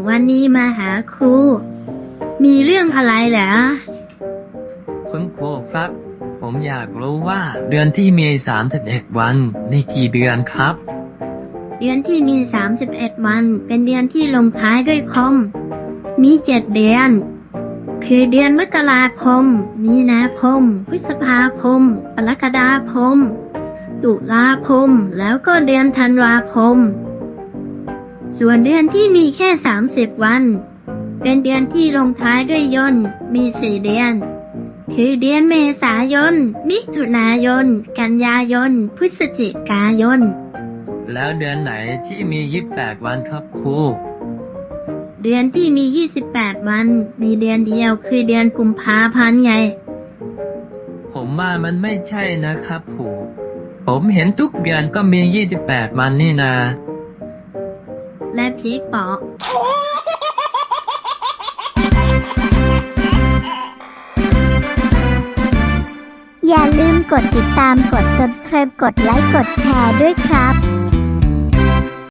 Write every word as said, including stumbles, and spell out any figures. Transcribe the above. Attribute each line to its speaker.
Speaker 1: วันนี้มาหาครู มีเรื่องอะไรเหรอ
Speaker 2: คุณครูครับ ผมอยากรู้ว่าเดือนที่มีสามสิบเอ็ดวันนี่กี่เดือนครับ
Speaker 1: เดือนที่มีสามสิบเอ็ดวันเป็นเดือนที่ลงท้ายด้วยคม มีเจ็ดเดือน คือเดือนมกราคม มีนาคม พฤษภาคมกรกฎาคม ตุลาคม แล้วก็เดือนธันวาคม ส่วนเดือนที่มีแค่สามสิบวัน เป็นเดือนที่ลงท้ายด้วยยนต์ มีสี่เดือน คือเดือนเมษายน มิถุนายน กันยายน พฤศจิกายน
Speaker 2: แล้วเดือนไหนที่มียี่สิบแปดวันครับครู
Speaker 1: เดือนที่มียี่สิบแปดวัน มีเดือนเดียวคือเดือนกุมภาพันธ์ไง
Speaker 2: ผมว่ามันไม่ใช่นะครับครูผมเห็นทุกเดือนก็มียี่สิบแปดวันนี่นา
Speaker 1: และพีกบอก
Speaker 3: อย่าลืมกดติดตามกด ซับสไครบ์ กดไลค์ กดแชร์ด้วยครับ